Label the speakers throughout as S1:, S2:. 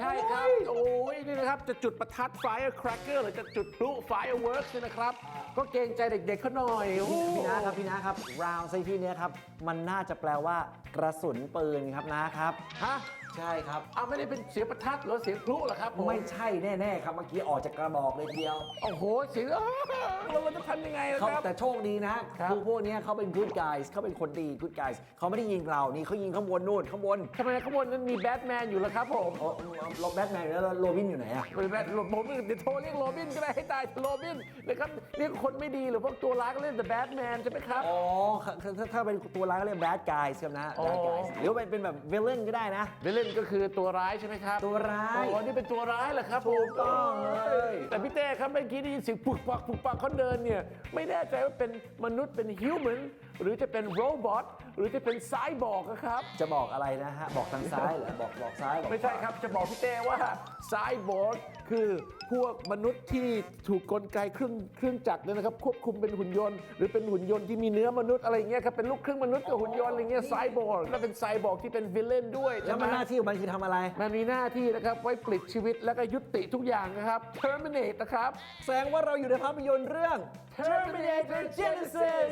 S1: ช่ครับโอ้ยนี่นะครับจะจุดประทัด firecracker หรือจะจุดพลุ fireworks เนี่ยนะครับก็เกรงใจเด็กๆเขาหน่อย
S2: พี่นะครับ round ในที่นี้ครับมันน่าจะแปลว่ากระสุนปืนครับนะครับ
S1: ฮะ
S2: ใช่ครับ
S1: ไม่ได้เป็นเสียงประทัดหรือเสียงพลุเหรอครับ
S2: ไม่ใช่แน่ๆครับเมื่อกี้ออกจากกระบอกเลยทีเดียว
S1: โอ้โหเสียงเราจะทำยังไงล่ะครับ
S2: แต่โชคดีนะพวกนี้เขาเป็น good guys เขาเป็นคนดี good guys เขาไม่ได้ยิงเรานี่เขายิงข้างบนนู่นข้างบน
S1: ทำไมข้างบนนั้นมีแบทแมนอยู่ล่ะครับผม
S2: แบทแมนแล้วโรบินอยู่ไหนอะ
S1: เป็นแบทผมเดี๋ยวโทรเรียกโรบินก็ได้ให้ตายโรบินนะครับเรียกคนไม่ดีหรือพวกตัวร้ายก็เรียก the Batman ใช่ไหมครับ
S2: ถ้าเป็นตัวร้ายก็เรียก bad guys ครับนะ bad guys หรือว่าเป็นแบบ villain ก็ได้นะ
S1: villain ก็คือตัวร้ายใช่ไหมครับ
S2: ตัวร้าย
S1: นี่เป็นตัวร้ายเหรอครับ
S2: ถูกต้องเลย
S1: แต่พี่เต้ครับเมื่อกี้ได้ยินเสียงปุกปักเขาเดินเนี่ยไม่แน่ใจว่าเป็นมนุษย์เป็น human หรือจะเป็น robot หรือจะเป็นไซบอร์กครับ
S2: จะบอกอะไรนะฮะบอกทางซ้ายเหรอบอกซ้าย
S1: ไม่ใช่ครับจะบอกพี่เต้ว่าไซบอร์กคือพวกมนุษย์ที่ถูกกลไกเครื่องจักรเนี่ยนะครับควบคุมเป็นหุ่นยนต์หรือเป็นหุ่นยนต์ที่มีเนื้อมนุษย์อะไรเงี้ยครับเป็นลูกครึ่งมนุษย์กับหุ่นยนต์อะไรเงี้ยไซบอร์กแล้วเป็นไซบอร์กที่เป็นวิลเลนด้วย
S2: แล้วมันหน้าที่ของมันคือทำอะไร
S1: มันมีหน้าที่นะครับไว้ปลิดชีวิตแล้วก็ยุติทุกอย่างนะครับ terminate นะครับ
S2: แสดงว่าเราอยู่ในภาพยนตร์เรื่อง
S1: Terminator Genesis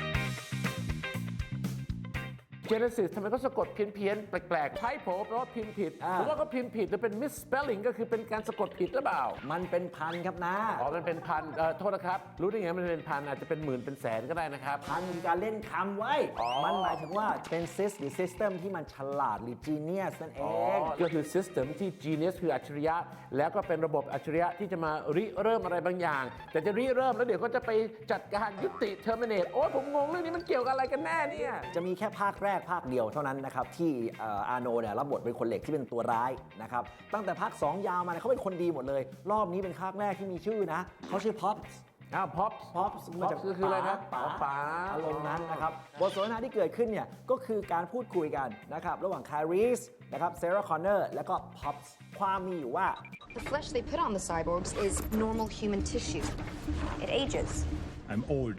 S1: Genesis ทำไมก็สะกดเพี้ยนแปลกๆ typo แปลว่าพิมพ์ผิดหรือว่าก็พิมพ์ผิดหรือเป็น misspelling ก็คือเป็นการสะกดผิดหรือเปล่า
S2: มันเป็นพันครับนะ
S1: มันเป็นพันโทษนะครับรู้ได้ไงมันเป็นพันอาจจะเป็นหมื่นเป็นแสนก็ได้นะครับ
S2: พันมีการเล่นคำไว้มันหมายถึงว่าเป็น หรือ system ที่มันฉลาดหรือ genius นั่นเอง
S1: ก็คือ system ที่ genius คืออัจฉริยะแล้วก็เป็นระบบอัจฉริยะที่จะมาริเริ่มอะไรบางอย่างแต่จะริเริ่มแล้วเดี๋ยวก็จะไปจัดการยุติ terminate ผมงงเรื่องนี้มันเกี่ยวกับอะไรกันแน่เนี่ย
S2: จะมีแค่ภาคแรกภาคเดียวเท่านั้นนะครับที่อาโนเนี่ยรับบทเป็นคนเหล็กที่เป็นตัวร้ายนะครับตั้งแต่ภาค2ยาวมาเขาเป็นคนดีหมดเลยรอบนี้เป็นภาคแรกที่มีชื่อนะเขาชื่อ Pops
S1: Pops
S2: มาจาก
S1: คืออะไรครับ
S2: ป๋าอารมณ์นั้นนะครับบทสนทนาที่เกิดขึ้นเนี่ยก็คือการพูดคุยกันนะครับระหว่าง Kyrie's นะครับ Sarah Connor แล้วก็ Pops ความมีอยู่ว่า
S3: The flesh they put on the cyborgs is normal human tissue. It ages.
S4: I'm old,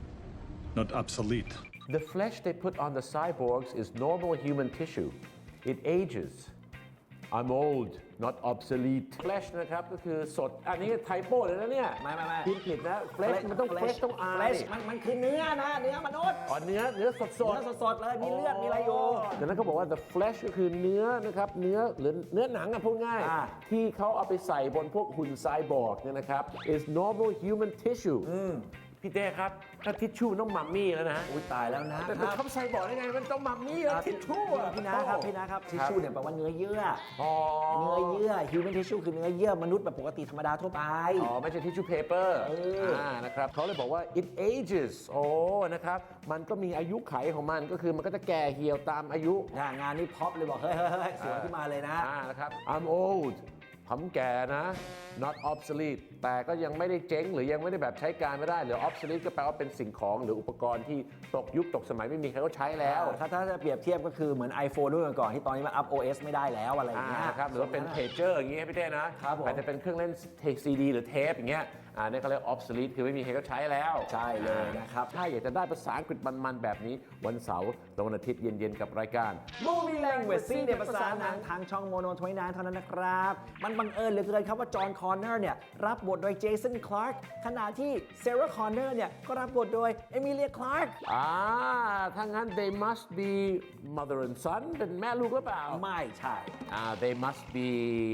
S4: not obsolete.
S1: The flesh they put on the cyborgs is normal human tissue. It ages. I'm old, not obsolete. Flesh นะครับก็คือสดอันนี้ไทโป้เลยนะเนี่ย
S2: ไม่
S1: พิมพ์ผิดนะ Flesh มันต้อง Flesh ต้อง
S2: Flesh มันคือเนื้อนะเนื้อมนุษย์
S1: เนื้อสด
S2: เลยมีเลือดมีอะไรอยู่
S1: ดังนั้นเขาบอกว่า the flesh ก็คือเนื้อนะครับเนื้อหรือเนื้อหนังพูดง่ายที่เขาเอาไปใส่บนพวกหุ่นไซบอร์กเนี่ยนะครับ is normal human tissueพี่เต้ครับถ้าทิชชู่ต้องมัมมี่แล้วนะ
S2: อุ้ยตายแล้วนะ
S1: แต่เขาใส่บอกได้ไงมันต้องมัมมี่ทิชชู่
S2: พี่นะครับทิชชู่เนี่ยแปลว่าเนื้อเยื่อเนื้อเยื่อ human tissue คือเนื้อเยื่อมนุษย์แบบปกติธรรมดาทั่วไป
S1: ไม่ใช่ทิชชู่เพเปอร์นะครับเขาเลยบอกว่า it ages นะครับมันก็มีอายุไขของมันก็คือมันก็จะแก่เหี่ยวตามอายุ
S2: งานนี้พ็อปเลยบอกเฮ้ยสวนขึ้นมาเลย
S1: นะครับ I'm old ผมแก่นะ not obsolete แต่ก็ยังไม่ได้เจ๊งหรือยังไม่ได้แบบใช้การไม่ได้หรือ obsolete ก็แปลว่าเป็นสิ่งของหรืออุปกรณ์ที่ตกยุคตกสมัยไม่มีใครเขาใช้แล้ว
S2: ถ้าจะเปรียบเทียบก็คือเหมือน iPhone รุ่นก่อนที่ตอนนี้มัน up OS ไม่ได้แล้วอะไรอย่างเงี้ย
S1: ครับหรือว่าเป็น pager อย่างเงี้ยพี่เต้นะอาจจะเป็นเครื่องเล่น CD หรือเทปอย่างเงี้ยนี่เขาเรียก obsolete คือไม่มีใครเขาใช้แล้ว
S2: ใช่เลยนะครับ
S1: ถ้าอยากจะได้ภาษาอังกฤษมันๆแบบนี้วันเสาร์วันอาทิตย์เย็นๆกับรายการ
S2: Movie Language ซีในภาษาหนังทางช่อง Mono 29 เท่านั้นนะครับมันบังเอิญเหลือเกินครับว่าจอห์นคอนเนอร์เนี่ยรับบทโดยเจสันคลาร์กขณะที่เซราคอนเนอร์เนี่ยก็รับบทโดยเอมิเลียคลาร์ก
S1: ถ้างั้น they must be mother and son เป็นแม่ลูกหรือเปล่า
S2: ไม่ใช่
S1: they must be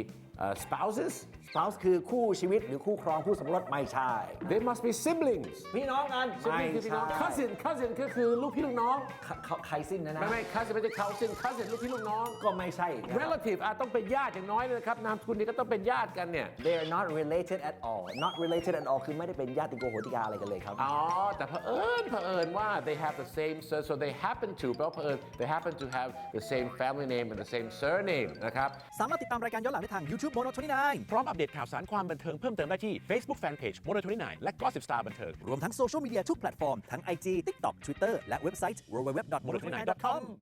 S1: spouses
S2: spouse คือคู่ชีวิตหรือคู่ครองคู่สมรสไม่ใช่
S1: they must be siblings
S2: พี่น้องกัน
S1: ไม่ใช่ cousin ก็คือลูกพี่ลูกน้อง
S2: ไคซินนะ
S1: ไม่ cousin ไม่ใช่ cousin ลูกพี่ลูกน้อง
S2: ก็ไม่ใช่
S1: relative ต้องเป็นญาติอย่างน้อยนะครับนามสกุลนี้ก็ต้องเป็นญาติกันเนี่ย
S2: they are not related at all not related at all คือไม่ได้เป็นญาติโกโหติกาอะไรกันเลยครับ
S1: แต่เผอิญว่า they have the same so they happen to แปลว่าเผอิญ they happen to have the same family name and the same surname นะครับ
S5: สามารถติดตามรายการย้อนหลังได้ทาง YouTube Mono 29
S6: พร้อมอัปเดตข่าวสารความบันเทิงเพิ่มเติมได้ที่ Facebook Fanpage Mono 29 และ Gossip Star บันเทิง
S5: รวมทั้งโซเชียลมีเดียทุกแพลตฟอร์มทั้ง IG TikTok Twitter และเว็บไซต์ www.mono29.com